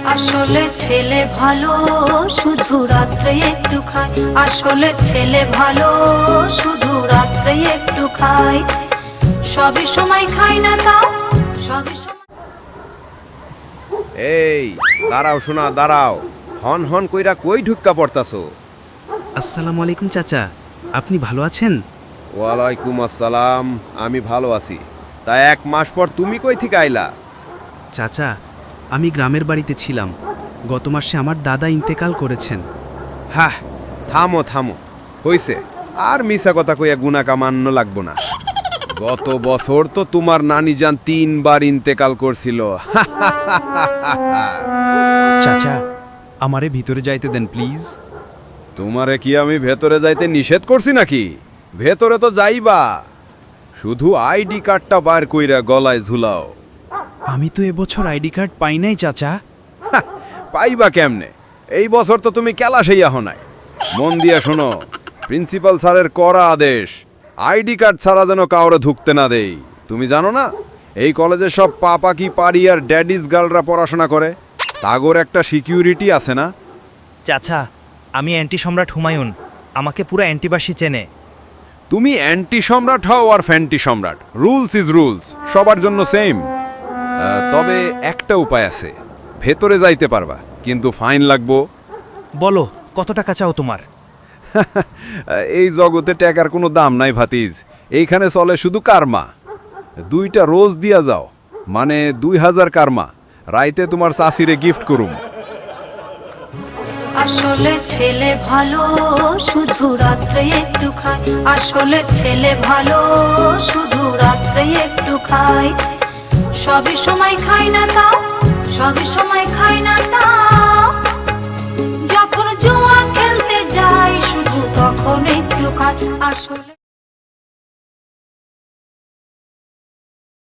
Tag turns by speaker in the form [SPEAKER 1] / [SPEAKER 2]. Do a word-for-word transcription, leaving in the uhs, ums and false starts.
[SPEAKER 1] আসলে ছেলে ভালো শুধু রাত্রে একটু খায়, আসলে ছেলে ভালো শুধু রাত্রে একটু খায়, সবই সময় খায় না তাও সবই সময়।
[SPEAKER 2] এই দাঁড়াও শোনা দাঁড়াও, হন হন কইরা কই ঢুক্কা পড়তাছো?
[SPEAKER 3] আসসালামু আলাইকুম চাচা, আপনি ভালো আছেন?
[SPEAKER 2] ওয়ালাইকুম আসসালাম, আমি ভালো আছি। তা এক মাস পর তুমি কই থেকে আইলা?
[SPEAKER 3] চাচা, আমি গ্রামের বাড়িতে ছিলাম। গত মাসে আমার দাদা ইন্তেকাল করেছেন।
[SPEAKER 2] হ্যাঁ, থামো থামো, হইছে আর মিছা কথা কইয়া গুনা কামান্ন লাগবো না। গত বছর তো তোমার নানি জান তিনবার ইন্তেকাল করছিল।
[SPEAKER 3] চাচা, আমারে ভিতরে যাইতে দেন প্লিজ।
[SPEAKER 2] তোমারে কি আমি ভেতরে যাইতে নিষেধ করছি নাকি? ভেতরে তো যাইবা, শুধু আইডি কার্ডটা বার কইরা গলায় ঝুলাও।
[SPEAKER 3] আমি তো এবছর আইডি কার্ড পাই নাই চাচা।
[SPEAKER 2] পাইবা কেমনে? এই বছর তো তুমি ক্যালাসেই আহ নাই। মন দিয়া শোনো, প্রিন্সিপাল স্যারের কড়া আদেশ, আইডি কার্ড ছাড়া যেন কাউরে ঢুকতে না দেই। তুমি জানো না এই কলেজে সব পাপা কি পারি আর ড্যাডিস গার্লরা পড়াশোনা করে? তাগর একটা সিকিউরিটি আছে না?
[SPEAKER 4] চাচা, আমি অ্যান্টি সম্রাট হুমায়ুন, আমাকে পুরো অ্যান্টিবাসী চেনে।
[SPEAKER 2] তুমি অ্যান্টি সম্রাট হও আর ফ্যান্টি সম্রাট, রুলস ইজ রুলস, সবার জন্য সেম। তবে একটা উপায় আছে, ভেতরে যাইতে পারবা কিন্তু ফাইন লাগবো।
[SPEAKER 4] বলো, কত টাকা চাও তোমার?
[SPEAKER 2] এই জগতে টাকার কোনো দাম নাই ভাতিজ, এইখানে চলে শুধু কারমা। দুইটা রোজ দিয়া যাও, মানে দুই হাজার কারমা, রাইতে তোমার চাষিরে গিফট করুম।
[SPEAKER 1] আসলে ছেলে ভালো শুধু রাত্রে একটু খায়, আসলে ছেলে ভালো শুধু রাত্রে একটু খায়, সবই সময় খায় না তাও সবই সময় খায় না তাও, যখন জুয়া খেলতে যায় শুধু তখন একটু খায় আসলে।